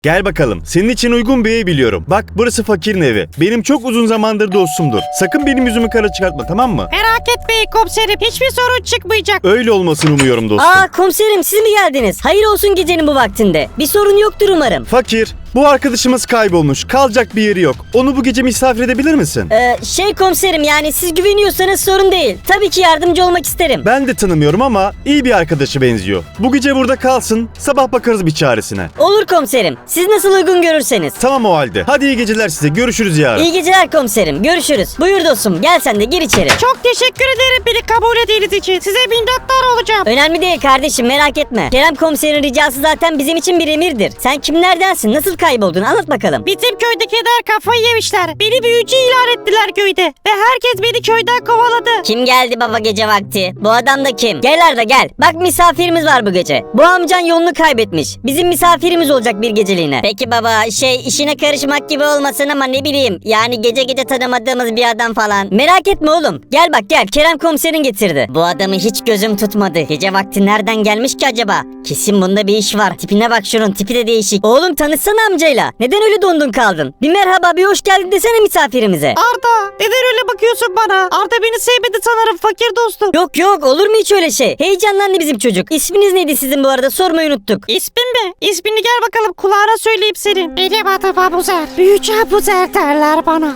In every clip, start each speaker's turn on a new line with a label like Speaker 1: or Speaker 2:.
Speaker 1: Gel bakalım. Senin için uygun bir ev biliyorum. Bak burası fakirin evi. Benim çok uzun zamandır dostumdur. Sakın benim yüzümü kara çıkartma, tamam mı?
Speaker 2: Merak etmeyin komiserim. Hiçbir sorun çıkmayacak.
Speaker 1: Öyle olmasını umuyorum dostum.
Speaker 3: Komiserim siz mi geldiniz? Hayır olsun gecenin bu vaktinde. Bir sorun yoktur umarım.
Speaker 1: Fakir, bu arkadaşımız kaybolmuş. Kalacak bir yeri yok. Onu bu gece misafir edebilir misin?
Speaker 3: Komiserim yani siz güveniyorsanız sorun değil. Tabii ki yardımcı olmak isterim.
Speaker 1: Ben de tanımıyorum ama iyi bir arkadaşı benziyor. Bu gece burada kalsın. Sabah bakarız bir çaresine.
Speaker 3: Olur komiserim. Siz nasıl uygun görürseniz.
Speaker 1: Tamam o halde. Hadi iyi geceler size. Görüşürüz yarın.
Speaker 3: İyi geceler komiserim. Görüşürüz. Buyur dostum. Gel sen de gir içeri.
Speaker 2: Çok teşekkür ederim beni kabul ettiğiniz için. Size minnettar olacağım.
Speaker 3: Önemli değil kardeşim, merak etme. Kerem komiserin ricası zaten bizim için bir emirdir. Sen kimlerdensin? Nasıl kayboldun? Anlat bakalım.
Speaker 2: Bizim köydekiler kafayı yemişler. Beni büyücü ilan ettiler köyde. Ve herkes beni köyden kovaladı.
Speaker 3: Kim geldi baba gece vakti? Bu adam da kim? Gel Arda gel. Bak misafirimiz var bu gece. Bu amcan yolunu kaybetmiş. Bizim misafirimiz olacak bir geceliğine. Peki baba işine karışmak gibi olmasın ama ne bileyim. Yani gece gece tanımadığımız bir adam falan. Merak etme oğlum. Gel bak gel. Kerem komiserin getirdi. Bu adamı hiç gözüm tutmadı. Gece vakti nereden gelmiş ki acaba? Kesin bunda bir iş var. Tipine bak şunun, tipi de değişik. Oğlum tanışsana amcayla. Neden öyle dondun kaldın? Bir merhaba, bir hoş geldin desene misafirimize.
Speaker 2: Arda neden öyle bakıyorsun bana? Arda beni sevmedi sanırım fakir dostum.
Speaker 3: Yok olur mu hiç öyle şey? Heyecanlandı bizim çocuk. İsminiz neydi sizin bu arada, sormayı unuttuk.
Speaker 2: İsmin mi? İsmini gel bakalım kulağına söyleyeyim senin. Benim adım Abuzer. Büyücü Abuzer derler bana.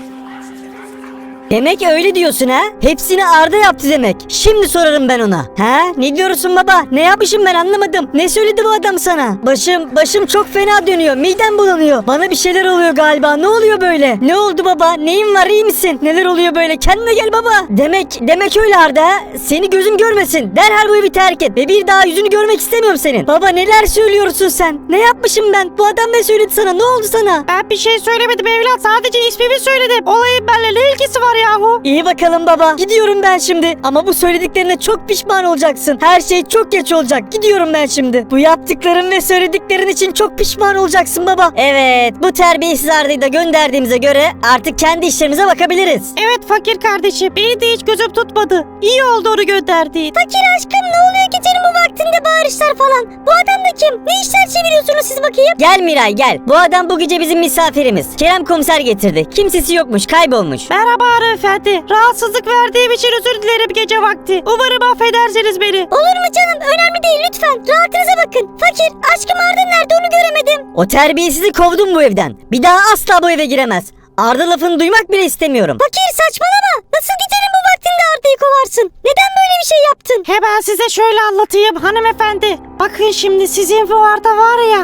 Speaker 3: Demek öyle diyorsun ha? Hepsini Arda yaptı demek. Şimdi sorarım ben ona. Ha? Ne diyorsun baba? Ne yapmışım ben anlamadım. Ne söyledi bu adam sana? Başım çok fena dönüyor. Midem bulanıyor. Bana bir şeyler oluyor galiba. Ne oluyor böyle? Ne oldu baba? Neyin var, iyi misin? Neler oluyor böyle? Kendine gel baba. Demek öyle Arda ha? Seni gözüm görmesin. Derhal bu evi terk et. Ve bir daha yüzünü görmek istemiyorum senin. Baba neler söylüyorsun sen? Ne yapmışım ben? Bu adam ne söyledi sana? Ne oldu sana?
Speaker 2: Ben bir şey söylemedim evlat. Sadece ismimi söyledim. Olayın benimle ne ilgisi var yahu?
Speaker 3: İyi bakalım baba. Gidiyorum ben şimdi. Ama bu söylediklerine çok pişman olacaksın. Her şey çok geç olacak. Gidiyorum ben şimdi. Bu yaptıkların ve söylediklerin için çok pişman olacaksın baba. Evet, bu terbiyesiz Arda'yı da gönderdiğimize göre artık kendi işlerimize bakabiliriz.
Speaker 2: Evet fakir kardeşim. Beni de hiç gözüm tutmadı. İyi oldu onu gönderdiğin.
Speaker 3: Fakir aşkım, ne oluyor gecenin bu vaktinde bağırışlar falan? Bu adam da kim? Ne işler çeviriyorsunuz siz bakayım? Gel Miray gel. Bu adam bu gece bizim misafirimiz. Kerem komiser getirdi. Kimsesi yokmuş, kaybolmuş.
Speaker 2: Merhaba hanımefendi. Rahatsızlık verdiğim için özür dilerim gece vakti. Umarım affedersiniz beni.
Speaker 3: Olur mu canım? Önemli değil lütfen. Rahatınıza bakın. Fakir, aşkım Arda nerede onu göremedim. O terbiyesizi kovdum bu evden. Bir daha asla bu eve giremez. Arda lafını duymak bile istemiyorum. Fakir saçmalama. Nasıl gecenin bu vaktinde Arda'yı kovarsın? Neden böyle bir şey yaptın?
Speaker 2: Hemen size şöyle anlatayım hanımefendi. Bakın şimdi sizin bu Arda var ya.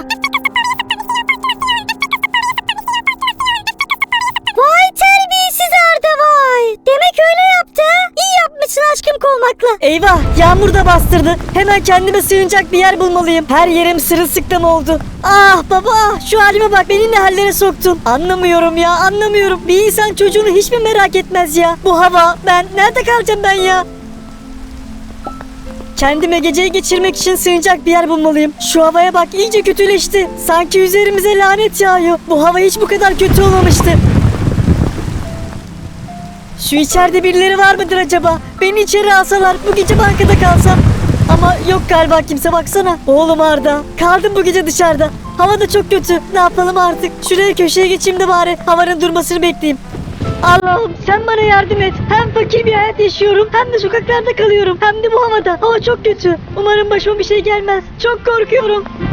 Speaker 3: Vay terbiyesiz Arda vay. Demek öyle yaptı ha? İyi yapmışsın aşkım kovmakla. Eyvah, yağmur da bastırdı. Hemen kendime sığınacak bir yer bulmalıyım. Her yerim sırılsıklam oldu. Ah baba, şu halime bak, beni ne hallere soktun. Anlamıyorum ya, anlamıyorum. Bir insan çocuğunu hiç mi merak etmez ya? Bu hava, ben nerede kalacağım ben ya? Kendime geceyi geçirmek için sığınacak bir yer bulmalıyım. Şu havaya bak, iyice kötüleşti. Sanki üzerimize lanet yağıyor. Bu hava hiç bu kadar kötü olmamıştı. Şu içeride birileri var mıdır acaba? Beni içeri alsalar, bu gece bankada kalsam. Ama yok galiba kimse, baksana. Oğlum Arda, kaldım bu gece dışarıda. Hava da çok kötü. Ne yapalım artık? Şuraya köşeye geçeyim de bari havanın durmasını bekleyeyim. Allah'ım sen bana yardım et. Hem fakir bir hayat yaşıyorum, hem de sokaklarda kalıyorum. Hem de bu havada. Hava çok kötü. Umarım başıma bir şey gelmez. Çok korkuyorum.